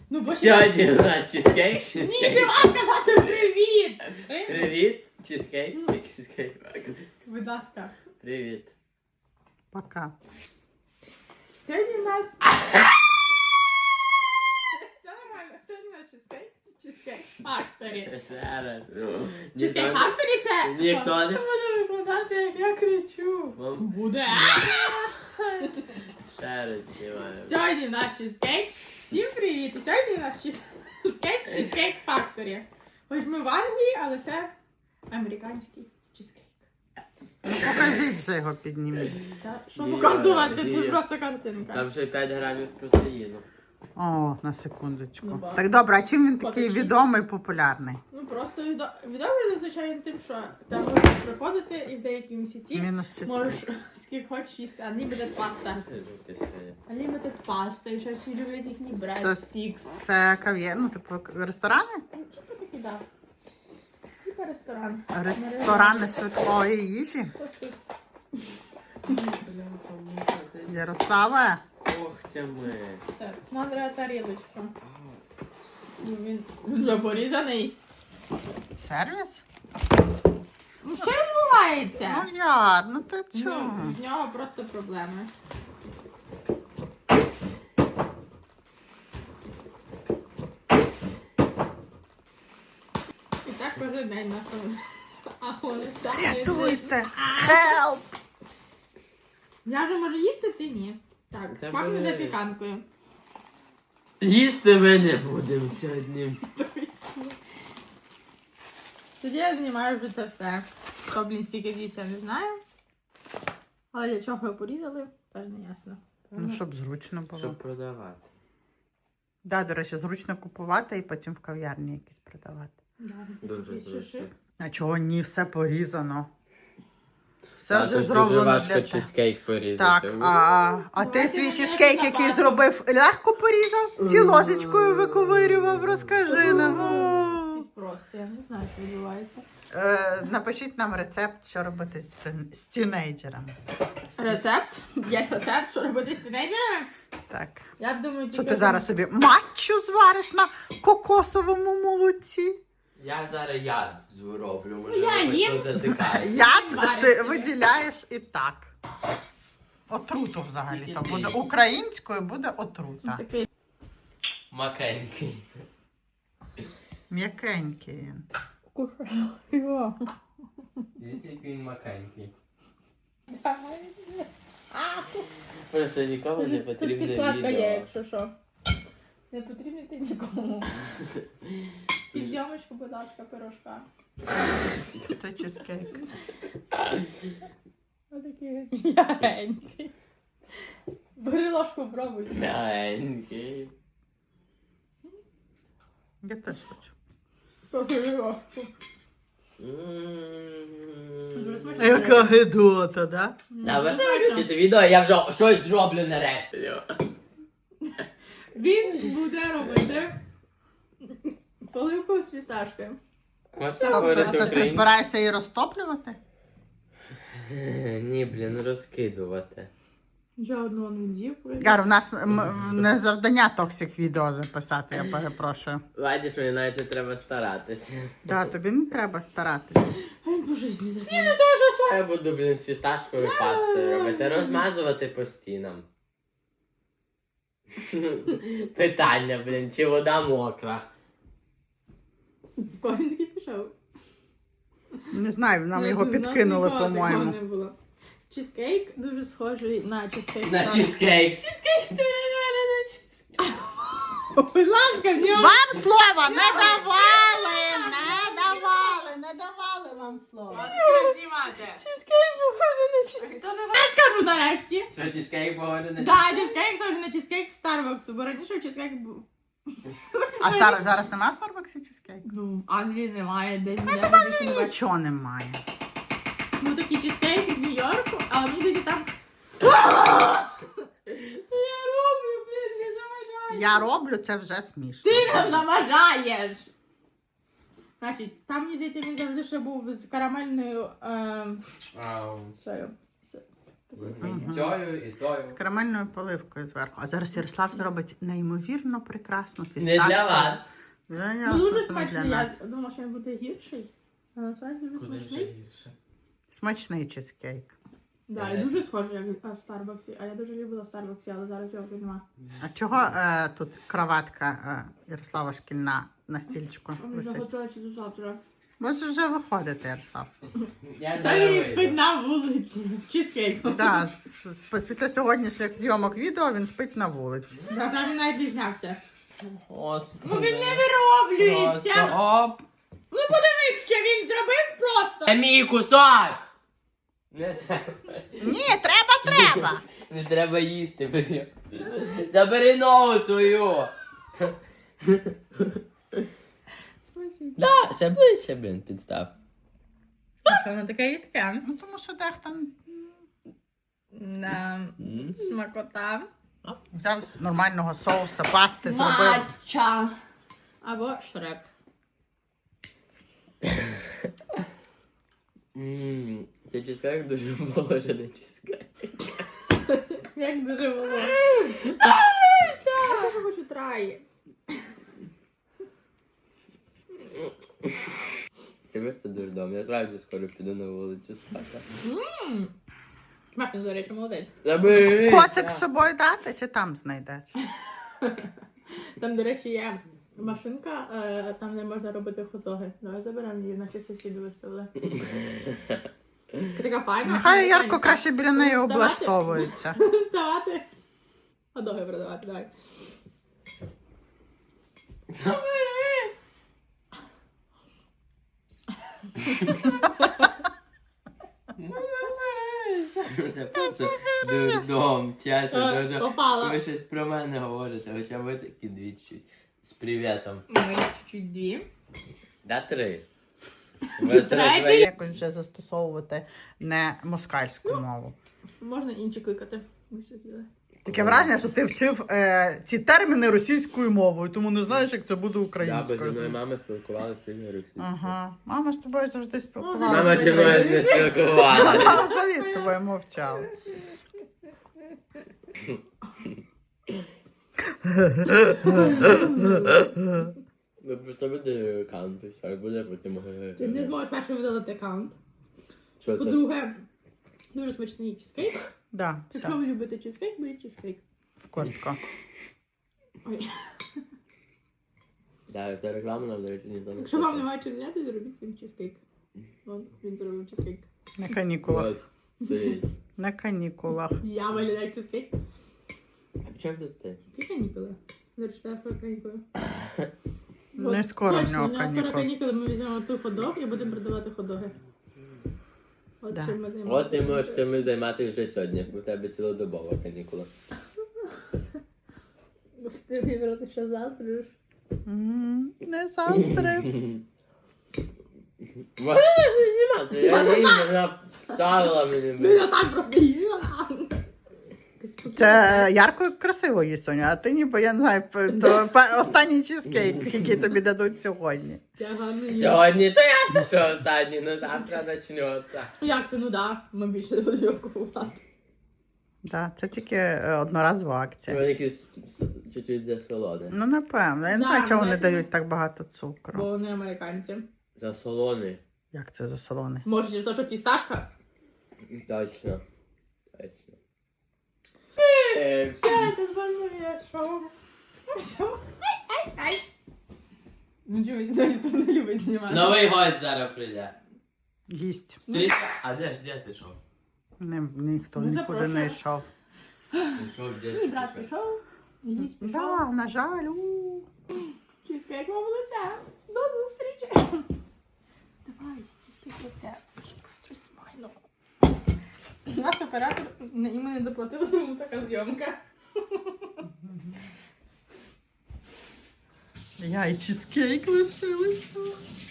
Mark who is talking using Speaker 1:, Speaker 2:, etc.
Speaker 1: Ну, бо
Speaker 2: Сьогодні у нас чизкейк.
Speaker 1: Ні, ти мав казати привіт!
Speaker 2: Привіт. Чизкейк. Чизкейк.
Speaker 1: Будь ласка.
Speaker 2: Привіт.
Speaker 3: Пока.
Speaker 1: Сьогодні у нас... Все нормально. Сьогодні у нас чизкейк. Чизкейк Factory.
Speaker 2: Зараз.
Speaker 1: Чизкейк Factory це...
Speaker 2: Ніхто не буде викладати, як я кричу.
Speaker 1: Буде.
Speaker 2: Ще раз знімаємо.
Speaker 1: Сьогодні у нас чизкейк. Всім привіт! І сьогодні у нас чизкейк Factory. Хоч ми в Англії, але це американський чизкейк.
Speaker 3: Покажіть вже його підніміть.
Speaker 1: Та, що
Speaker 2: Ні,
Speaker 1: показувати? Це
Speaker 2: ні.
Speaker 1: просто картинка.
Speaker 2: Там ще 5 грамів протеїну.
Speaker 3: О, на секундочку.
Speaker 1: Ну, ба.
Speaker 3: Так добре, а чим він такий
Speaker 1: Покажіть.
Speaker 3: відомий, популярний?
Speaker 1: Ну просто відомий зазвичай тим, що там можеш приходити і в деякі місяці
Speaker 3: Мінус чисто.
Speaker 1: можеш скільки хочеш їсти. Unlimited pasta. Unlimited pasta. І ще всі люблять їхні bread
Speaker 3: Це-
Speaker 1: sticks.
Speaker 3: Це кав'є, ну типу ресторани?
Speaker 1: Ну, типу такі, да. Типу ресторан.
Speaker 3: Ресторани швидкої їжі?
Speaker 1: Просто
Speaker 3: Ярославе?
Speaker 2: Когтями.
Speaker 1: все. Нам треба тарілочка. Ну, він вже порізаний.
Speaker 3: Сервіс?
Speaker 1: Ну що відбувається?
Speaker 3: Ну Яр, ну ти
Speaker 1: Ну,
Speaker 3: чого?
Speaker 1: в нього просто проблеми. І так кожен день нашого. А вони так не
Speaker 3: Рятуйте! Хелп!
Speaker 1: Я вже можу їсти, ти ні. Так,
Speaker 2: Та
Speaker 1: пахне
Speaker 2: бери.
Speaker 1: запіканкою.
Speaker 2: Їсти ми не будемо сьогодні.
Speaker 1: Тоді я знімаю вже це все. Хто, блін, стільки з'їсть, я не знаю. Але для чого його порізали, теж не ясно.
Speaker 3: Ну, щоб зручно було.
Speaker 2: Щоб продавати.
Speaker 3: Да, до речі, зручно купувати і потім в кав'ярні якісь продавати.
Speaker 1: Да,
Speaker 2: Дуже
Speaker 1: такий
Speaker 2: зручно.
Speaker 1: шишик.
Speaker 3: А чого ні, все порізано. Все
Speaker 2: Та,
Speaker 3: вже
Speaker 2: тут
Speaker 3: зроблено
Speaker 2: дуже важко
Speaker 3: для тебе.
Speaker 2: чизкейк порізати.
Speaker 3: Так, а ти
Speaker 1: Давайте
Speaker 3: свій
Speaker 1: мене
Speaker 3: чизкейк, який
Speaker 1: запасом.
Speaker 3: зробив, легко порізав? Чи ложечкою виковирював? Розкажи нам. О.
Speaker 1: Якийсь просто, я не знаю, що відбувається.
Speaker 3: Напишіть нам рецепт, що робити з тінейджерами.
Speaker 1: Рецепт? Є рецепт, що робити з тінейджерами?
Speaker 3: Так.
Speaker 1: Я б думаю,
Speaker 3: Що
Speaker 1: тільки
Speaker 3: ти зараз собі матчу звариш на кокосовому молоці?
Speaker 2: Я зараз яд зроблю, може
Speaker 1: Я
Speaker 2: ви
Speaker 1: їм.
Speaker 2: хоч затикаєте.
Speaker 3: Яд
Speaker 1: Вариш
Speaker 3: ти
Speaker 1: собі.
Speaker 3: виділяєш і так. Отруту взагалі.
Speaker 2: Тільки
Speaker 3: То
Speaker 2: ти.
Speaker 3: буде українською, буде отрута.
Speaker 1: такий.
Speaker 2: Макенький.
Speaker 3: М'якенький він.
Speaker 1: Кушаю його.
Speaker 2: Дивіться, як він макенький.
Speaker 1: Давай.
Speaker 2: Просто нікому не
Speaker 1: Тут
Speaker 2: потрібне
Speaker 1: підкладка є,
Speaker 2: відео.
Speaker 1: якщо що. Не потрібно ти нікому. Під зйомочку, будь ласка, пирожка.
Speaker 3: Це чизкейк.
Speaker 1: Отакий м'ягенький. Бери ложку, пробуй.
Speaker 2: Мягенький.
Speaker 3: Я теж хочу.
Speaker 1: Бери ложку. Дуже смачно.
Speaker 3: гидота, да?
Speaker 2: Та ви бачите відео, я вже щось зроблю нарешті.
Speaker 1: Він буде робити поливку з фісташкою.
Speaker 2: Можете
Speaker 3: Тобто,
Speaker 2: говорити
Speaker 3: це ти
Speaker 2: українською?
Speaker 3: збираєшся її розтоплювати?
Speaker 2: Ні, блін, розкидувати.
Speaker 1: Вже одну він з'їв.
Speaker 3: Гар, в нас не завдання токсик відео записати, я перепрошую.
Speaker 2: Бачиш, мені навіть не треба старатися.
Speaker 3: Да, тобі не треба старатися.
Speaker 1: Ай, боже, з'їв.
Speaker 2: Я буду, блін, з фісташкою пастою робити, розмазувати по стінам. Питання, блін, чи вода мокра?
Speaker 1: В кого він такий пішов?
Speaker 3: Не знаю, нам
Speaker 1: У
Speaker 3: його
Speaker 1: нас
Speaker 3: підкинули,
Speaker 1: ніколи такого
Speaker 3: по-моєму.
Speaker 1: не було. Чизкейк дуже схожий на чизкейк.
Speaker 2: На чизкейк. Чизкейк дуже схожий на чизкейк.
Speaker 1: Будь ласка, в нього.
Speaker 3: Вам слова не давали! Не давали вам слова.
Speaker 1: Чизкейк похожий на чизкейк. Я скажу нарешті.
Speaker 2: Що чизкейк погоди на
Speaker 1: Да, чизкейк схожий на чизкейк Старбаксу, бо раніше чизкейк був.
Speaker 3: А зараз немає в Старбаксі чизкейк?
Speaker 1: Ну, в Англії немає, де ніде не більше не бачу.
Speaker 3: Нічого немає.
Speaker 1: Ну, такі чизкейки з Нью-Йорку, а мені тоді там... Я роблю, блін, не заважаю.
Speaker 3: Я роблю, це вже смішно.
Speaker 1: Ти нам заважаєш! Значить, там, мені здається, він завжди ще був з карамельною...
Speaker 2: Ау.
Speaker 1: Цією,
Speaker 2: І тою, і тою.
Speaker 3: З карамельною поливкою зверху. А зараз Ярослав зробить неймовірно прекрасну
Speaker 2: Не
Speaker 3: фісташку.
Speaker 2: для вас.
Speaker 3: Для
Speaker 1: Ну,
Speaker 3: нас,
Speaker 1: дуже
Speaker 3: саме для
Speaker 1: смачний.
Speaker 3: нас.
Speaker 1: Я думала, що він буде гірший. А насправді дуже смачний.
Speaker 2: гірше?
Speaker 3: Смачний чизкейк.
Speaker 1: Да, і дуже схожий, як в Старбаксі. А я дуже любила в Старбаксі, але зараз його нема.
Speaker 3: А чого тут кроватка Ярослава шкільна на стільчику
Speaker 1: Він вже
Speaker 3: висить?
Speaker 1: готується до завтра.
Speaker 3: Може вже виходити, Ярослав.
Speaker 2: Я
Speaker 1: Сьогодні він спить на вулиці з чизкейком.
Speaker 3: Да, після сьогоднішніх зйомок відео він спить на вулиці.
Speaker 1: Да, там він навіть пізнявся.
Speaker 2: Господи.
Speaker 1: Ну він не вироблюється.
Speaker 2: Просто оп.
Speaker 1: Ну подивись, що він зробив просто.
Speaker 2: Це мій кусок! Не треба.
Speaker 3: Ні, треба!
Speaker 2: Не треба їсти, блін. Забери ногу свою.
Speaker 1: Спасибо.
Speaker 2: Да, ще ближче, блін, підстав.
Speaker 1: Що воно таке рідке?
Speaker 3: Ну тому що дехто
Speaker 1: Смакота.
Speaker 3: взяв з нормального соуса, пасти зробив.
Speaker 1: Матча. Або шрек.
Speaker 2: Це чизкейк дуже похоже на чизкейк.
Speaker 1: Як дуже було. Я дуже хочу трай.
Speaker 2: Це просто дурдом. Я справді скоро піду на вулицю спати.
Speaker 1: Мапін, до речі, молодець.
Speaker 2: Забери!
Speaker 3: Коцик з собою дати чи там знайдеш?
Speaker 1: Там, до речі, є машинка, там де можна робити хот-доги. Давай заберемо її, наче сусіди виставили. Така файна.
Speaker 3: Нехай Ярко
Speaker 1: американська.
Speaker 3: краще біля неї
Speaker 1: Вставати.
Speaker 3: облаштовується.
Speaker 1: Вставати. Хот-доги продавати, давай.
Speaker 2: Забери! Це просто дурдом, чесно, дуже.
Speaker 1: Попала.
Speaker 2: Ви щось про мене говорите, хоча ви такі двічі. З привітом.
Speaker 1: Ми чуть-чуть дві.
Speaker 2: Да 3.
Speaker 1: Третій.
Speaker 3: Якось вже застосовувати не москальську мову.
Speaker 1: Можна інші кликати. Ми все з'їли.
Speaker 3: Таке враження, що ти вчив ці терміни російською мовою, тому не знаєш, як це буде
Speaker 2: Да, бо зі
Speaker 3: українською.
Speaker 2: мною мама спілкувалася тільки російською.
Speaker 3: Ага. Мама з тобою завжди
Speaker 2: Мама
Speaker 3: спілкувалася.
Speaker 2: зі мною не спілкувалася.
Speaker 3: Мама взагалі з тобою мовчала.
Speaker 2: Ви просто буде аккаунт, і все, і буде потім.
Speaker 1: Ти не зможеш першим видалити аккаунт.
Speaker 2: Що це?
Speaker 1: По-друге, дуже смачний чизкейк.
Speaker 3: Да,
Speaker 1: Якщо
Speaker 3: все,
Speaker 1: ви любите чизкейк, беріть чизкейк.
Speaker 3: в костку.
Speaker 1: Ой.
Speaker 2: Да, це реклама нам, до речі, ніхто не
Speaker 1: Якщо вам
Speaker 2: хоче.
Speaker 1: немає чим зняти, зробіть цим чизкейк. Вон, він зробив чизкейк.
Speaker 3: На канікулах.
Speaker 2: От, стоїть.
Speaker 3: На канікулах.
Speaker 1: Я виглядаю як чизкейк.
Speaker 2: А чому тут ти?
Speaker 1: Які канікули? Зачитаю про канікули.
Speaker 3: Не скоро в
Speaker 1: точно,
Speaker 3: нього
Speaker 1: у нього скоро
Speaker 3: канікули.
Speaker 1: канікули, ми візьмемо ту хот-дог і будемо продавати хот-доги. От
Speaker 3: Да.
Speaker 1: чим ми
Speaker 2: От
Speaker 1: займаємося.
Speaker 2: ти можеш цим займатися вже сьогодні, бо у тебе цілодобова канікула.
Speaker 1: Ти вибрати, що завтра ж.
Speaker 3: Не застри.
Speaker 2: Знімати, я їм, вона вставила мені.
Speaker 1: Ну я так просто їла.
Speaker 3: Це Ярко красиво їсть, Соня, а ти ніби, я не знаю, останній чизкейк, який тобі дадуть сьогодні.
Speaker 1: Я гарно їла.
Speaker 2: Сьогодні то я що останній, ну завтра почнеться.
Speaker 1: Як це? Ну да, ми більше не будемо купувати.
Speaker 3: Да, це тільки одноразова акція.
Speaker 2: Вони якісь чуть-чуть засолоне.
Speaker 3: Ну, напевно. Я не
Speaker 1: Да,
Speaker 3: знаю, чого вони
Speaker 1: напевно.
Speaker 3: дають так багато
Speaker 1: Бо
Speaker 3: цукру.
Speaker 1: вони американці.
Speaker 2: Засолоне.
Speaker 3: Як це за солоне?
Speaker 1: Може, через те, що фісташка?
Speaker 2: Точно. Точно.
Speaker 1: Це моє шоу. Шоу. Ай. Ну чого, ніхто не любить знімати.
Speaker 2: Новий гость зараз прийде.
Speaker 3: Гість.
Speaker 2: Стрічка. А де ти шов?
Speaker 3: Ніхто
Speaker 1: Ми
Speaker 3: нікуди
Speaker 1: запрошуємо.
Speaker 3: не йшов.
Speaker 2: Пішов, де
Speaker 1: Мій брат пішов. Їсть пішов.
Speaker 3: Да, на жаль.
Speaker 1: Чизкейк вам лиця. До зустрічі. Давай, чизкейк лиця. Просто смайно. Наш оператор йому не доплатили, тому така зйомка.
Speaker 3: Я і чизкейк лишилися.